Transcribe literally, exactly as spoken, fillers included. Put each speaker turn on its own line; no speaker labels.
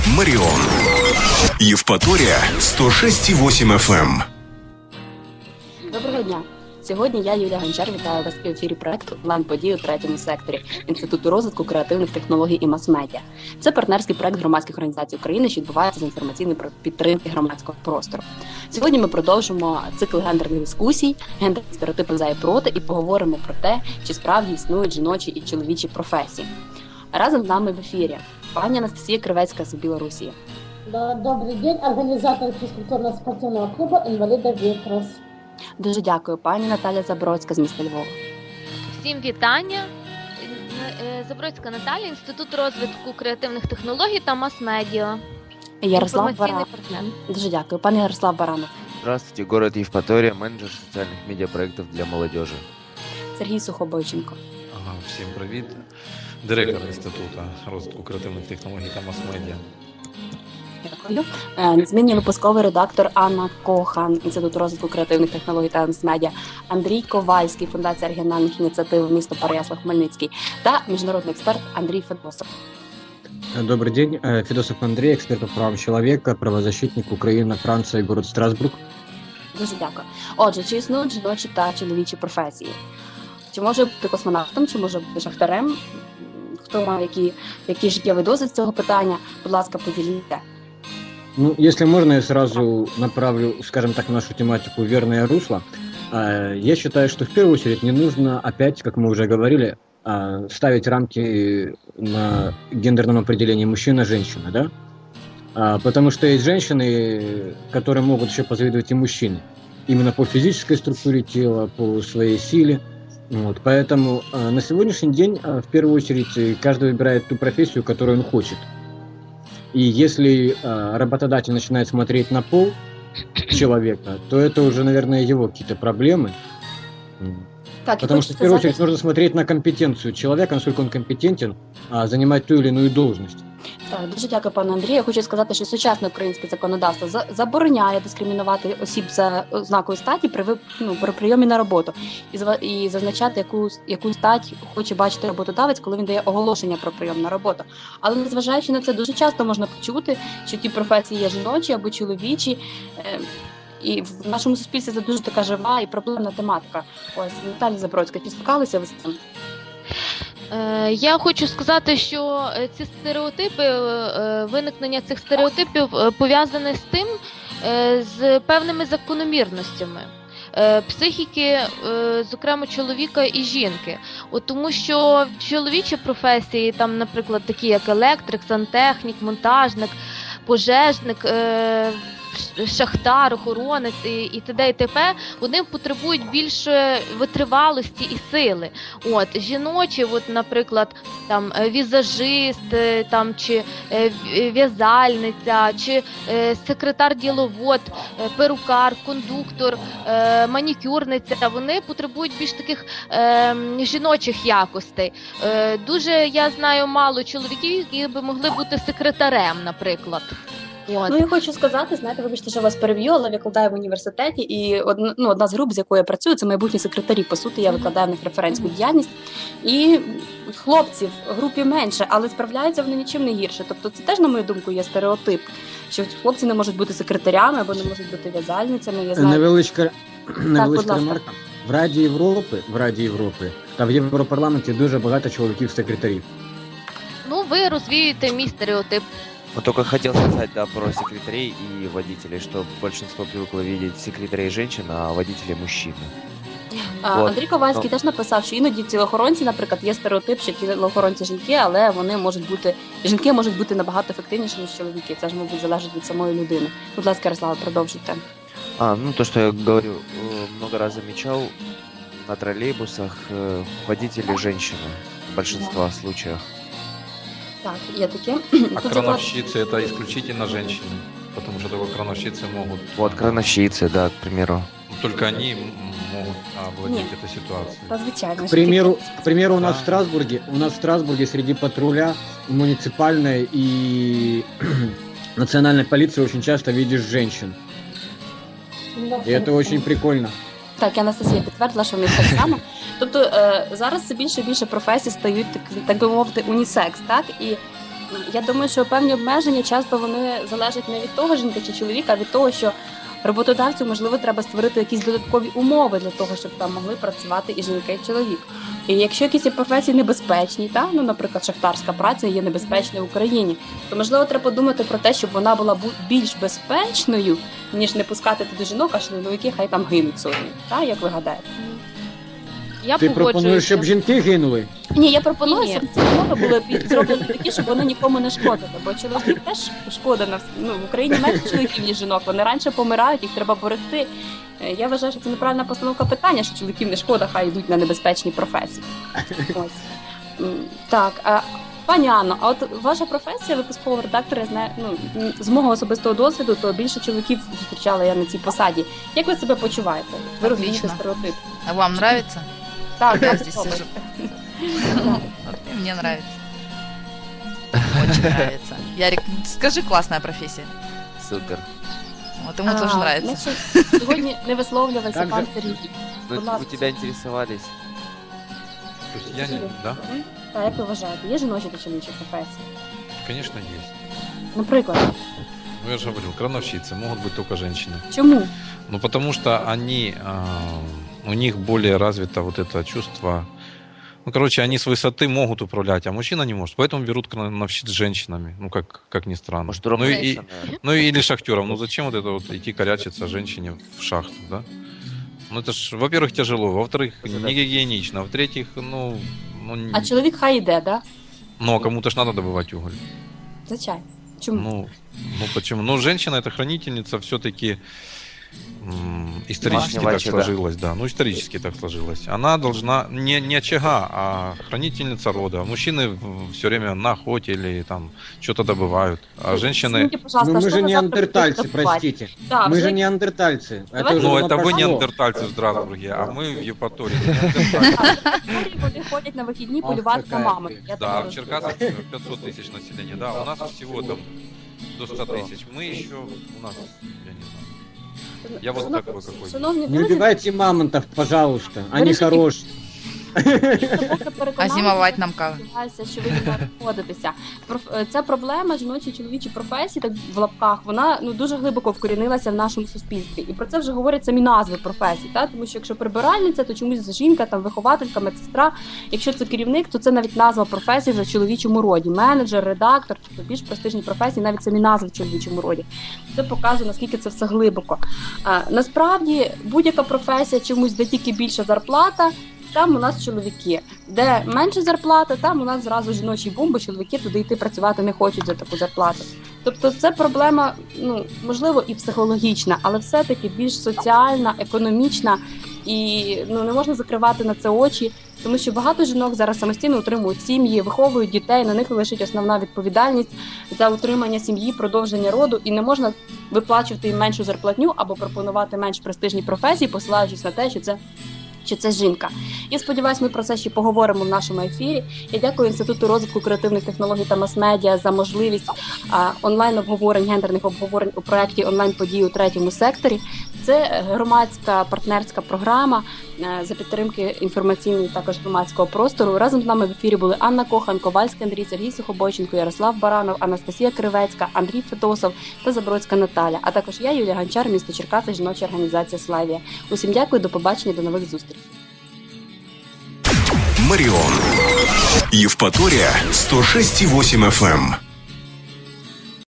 Маріон. Євпаторія сто шість і вісім еф ем.
Доброго дня. Сьогодні я, Юлія Гончар, вітаю вас в ефірі проекту «Онлайн-події у третьому секторі» Інституту розвитку креативних технологій і мас-медіа. Це партнерський проект громадських організацій України, що відбувається з інформаційної підтримки громадського простору. Сьогодні ми продовжимо цикл гендерних дискусій, гендерні стереотипи за і проти, і поговоримо про те, чи справді існують жіночі і чоловічі професії. Разом з нами в ефірі пані Анастасія Кривецька з Білорусі.
Добрий день, організатор фізкультурно-спортивного клубу «Інваліда Вітрос».
Дуже дякую, пані Наталя Забродська з міста Львова.
Всім вітання. Забродська Наталя, Інститут розвитку креативних технологій та мас-медіа.
Ярослав Баранов. Дуже дякую. Пане Ярослав Баранов.
Здравствуйте, город Євпаторія, менеджер соціальних медіапроєктів для молодежи.
Сергій Сухобойченко.
Ага, всім привіт. Директор Інституту розвитку креативних технологій та мас-медіа.
Дякую. Незмінний випусковий редактор Анна Кохан, Інститут розвитку креативних технологій та мас-медіа, Андрій Ковальський, Фундація регіональних ініціатив місто Переяслав-Хмельницький та міжнародний експерт Андрій Федосов.
Добрый день. Федосов Андрей, эксперт по правам человека, правозащитник, Украина, Франция, город Страсбург.
Дуже дякую. Отже, чи існують жіночі та чоловічі професії? Чи може бути космонавтом, чи може бути шахтарем? Хто має які, які життєвий досвід з цього питання? Будь ласка, поділіться.
Ну, если можно, я сразу направлю, скажем так, нашу тематику в верное русло. Я считаю, что в первую очередь не нужно опять, как мы уже говорили, ставить рамки на гендерном определении мужчина-женщина, да? Потому что есть женщины, которые могут еще позавидовать и мужчины. Именно по физической структуре тела, по своей силе. Вот. Поэтому на сегодняшний день, в первую очередь, каждый выбирает ту профессию, которую он хочет. И если э, работодатель начинает смотреть на пол человека, то это уже, наверное, его какие-то проблемы.
Так,
Потому что, в первую очередь, нужно смотреть на компетенцию человека, насколько он компетентен а, занимать ту или иную должность.
Так, дуже дякую, пане Андрію. Я хочу сказати, що сучасне українське законодавство за- забороняє дискримінувати осіб за ознакою статі при, ви- ну, при прийомі на роботу і, зва- і зазначати, яку, яку стать хоче бачити роботодавець, коли він дає оголошення про прийом на роботу. Але незважаючи на це, дуже часто можна почути, що ті професії є жіночі або чоловічі. Е- І в нашому суспільстві це дуже така жива і проблемна тематика. Ось, Наталя Забродська, чи стикалися ви з цим?
Е, Я хочу сказати, що е, ці стереотипи, е, виникнення цих стереотипів е, пов'язане з тим, е, з певними закономірностями е, психіки, е, зокрема чоловіка і жінки. От тому що чоловічі професії, там, наприклад, такі як електрик, сантехнік, монтажник, пожежник, е, шахтар, охоронець і, і т.д. і т.п. вони потребують більше витривалості і сили. От жіночі, от, наприклад, там візажист, там чи в'язальниця, чи секретар-діловод, перукар, кондуктор, манікюрниця, вони потребують більш таких е, жіночих якостей. Е, дуже я знаю мало чоловіків, які би могли бути секретарем, наприклад.
От. Ну, я хочу сказати, знаєте, вибачте, що вас переб'ю, але викладаю в університеті, і одна, ну, одна з груп, з якою я працюю, це майбутні секретарі. По суті, я викладаю в них референтську діяльність. І хлопців в групі менше, але справляються вони нічим не гірше. Тобто це теж, на мою думку, є стереотип, що хлопці не можуть бути секретарями або не можуть бути в'язальницями. Я знаю...
Невеличка, невеличка
так,
ремарка. В Раді Європи, в Раді Європи та в Європарламенті дуже багато чоловіків-секретарів.
Ну, ви розвіюєте мій стереотип.
Вот только хотел сказать, да, про секретарей и водителей, что большинство привыкло видеть секретарей женщин, а водителей мужчин.
А,
От.
Андрій Ковальський
Ну.
теж написав, що іноді тілоохоронці, наприклад, є стереотип, що тілоохоронці жінки, але вони можуть бути, жінки можуть бути набагато ефективніші, ніж чоловіки. Це ж, мабуть, залежить від самої людини. Будь ласка, Ярослава, продовжуйте.
А, ну то, что я говорю, э, много раз замечал, на троллейбусах э, водители женщины в большинстве случаев.
Так, є таке.
А
Тут
крановщицы это исключительно женщины, потому что только крановщицы могут,
Вот, крановщицы, да, к примеру.
только они м- могут овладеть
Нет.
этой ситуацией.
Та, звичайно.
К примеру, к примеру, у нас
Да.
в Страсбурге, у нас в Страсбурге среди патруля муниципальной и национальной полиции очень часто видишь женщин. И это очень прикольно.
Так, Анастасія підтвердила, що в них так само. Тобто е, зараз все більше і більше професій стають, так, так би мовити, унісекс, так? І Я думаю, що певні обмеження часто вони залежать не від того, жінка чи чоловіка, а від того, що роботодавцю, можливо, треба створити якісь додаткові умови для того, щоб там могли працювати і жінка, і чоловік. І якщо якісь є професії небезпечні, та, ну, наприклад, шахтарська праця є небезпечною в Україні, то, можливо, треба подумати про те, щоб вона була бу- більш безпечною, ніж не пускати туди жінок, а чоловіки хай там гинуть сотні. Та, як ви гадаєте?
Я
Ти пропонуєш,
погоджуюся.
щоб жінки гинули?
Ні, я пропоную,
Ні.
щоб ці умови були під- зроблені такі, щоб вони нікому не шкодили. Бо чоловіків теж шкода на вс- ну, в Україні менше чоловіків, ніж жінок. Вони раніше помирають, їх треба берегти. Е, Я вважаю, що це неправильна постановка питання, що чоловіків не шкода, хай йдуть на небезпечні професії. Ось. М, Так, а пані Анно, а от ваша професія випускового редактора, я знаю, ну, м, з мого особистого досвіду, то більше чоловіків зустрічала я на цій посаді. Як ви себе почуваєте? Ви розумієте
Отлично.
стереотип?
А вам нравится?
Так,
Я
так,
здесь
добре.
сижу. Вот и мне нравится. Очень нравится. Ярик, скажи, классная профессия.
Супер.
Вот ему
А,
тоже нравится.
значить, сьогодні не висловлювався
Так
пан
же.
Сергій.
Ну,
Будь ласка.
вы тебя интересовались.
То есть я не... Да?
Мгм. Так, як ви вважаєте, є жіночі та чоловічі професії?
Конечно, есть.
Наприклад,
Ну, я же говорил, крановщицы могут быть только женщины.
чому?
Ну, потому что они, а, у них более развито вот это чувство. Ну, короче, они с высоты могут управлять, а мужчина не может. Поэтому берут крановщиц с женщинами. Ну, как, как ни странно.
Может,
ну, и,
ровнейшая,
ну, или шахтером. Ну, зачем вот это вот идти корячиться женщине в шахту, да? Ну, это ж, во-первых, тяжело, во-вторых, не гигиенично, в-третьих, ну... ну
А чоловік хай йде, да?
ну, а кому-то ж надо добывать уголь.
Звичайно. Чому?
Ну, ну почему? Ну, женщина это хранительница все-таки исторически
Домашнего
так
очага.
сложилось, да. Ну, исторически так сложилось. Она должна не, не очага, а хранительница рода. Мужчины все время на охоте или там что-то добывают. А женщины.
Извините, пожалуйста,
Ну,
а
мы
что
же
вы завтра
неандертальцы,
будете добывать?
простите.
Да,
Мы
вже-
же неандертальцы.
Давайте-
Это уже
Ну,
давно
это вы
прошло.
неандертальцы в Страсбурге, а мы в Евпатории.
Історії вони ходять на вихідні
Ах,
полювати за
така
мамами.
ти.
Я
Да,
так
в
розумію.
Черкасах пятьсот тысяч населения. Да, у нас всего там до ста тысяч. Мы еще, у нас, я не знаю. Я вот
Шанов-
такой какой.
Шановні
Не
друзі,
убивайте мамонтов, пожалуйста. Они
Вырежите.
хорошие.
поки переконалися,
А зимовать нам как?
сподіваюся, що ви зі мною погодитеся. Проф- е, Ця проблема жіночі чоловічі професії, так в лапках, вона ну дуже глибоко вкорінилася в нашому суспільстві. І про це вже говорять самі назви професій. Та? Тому що якщо прибиральниця, то чомусь жінка, там вихователька, медсестра. Якщо це керівник, то це навіть назва професії в чоловічому роді. Менеджер, редактор, тобто більш престижні професії, навіть самі назви в чоловічому роді. Це показує, наскільки це все глибоко. А, насправді будь-яка професія чомусь, де тільки більша зарплата. Там у нас чоловіки. Де менше зарплата, там у нас зразу жіночий бум, бо чоловіки туди йти працювати не хочуть за таку зарплату. Тобто це проблема, ну, можливо, і психологічна, але все-таки більш соціальна, економічна, і ну, не можна закривати на це очі, тому що багато жінок зараз самостійно утримують сім'ї, виховують дітей, на них лежить основна відповідальність за утримання сім'ї, продовження роду, і не можна виплачувати їм меншу зарплатню або пропонувати менш престижні професії, посилаючись на те, що це що це жінка. Я сподіваюся, ми про це ще поговоримо в нашому ефірі. Я дякую Інституту розвитку креативних технологій та мас-медіа за можливість а, онлайн-обговорень, гендерних обговорень у проєкті онлайн-події у третьому секторі. Це громадська партнерська програма е, за підтримки інформаційної також громадського простору. Разом з нами в ефірі були Анна Кохан, Ковальський Андрій, Сергій Сухобойченко, Ярослав Баранов, Анастасія Кривецька, Андрій Федосов та Забродська Наталя. А також я, Юлія Гончар, місто Черкаси, жіноча організація «Славія». Усім дякую, до побачення, до нових зустрічей.
Маріон. Євпаторія сто шість і вісім еф ем.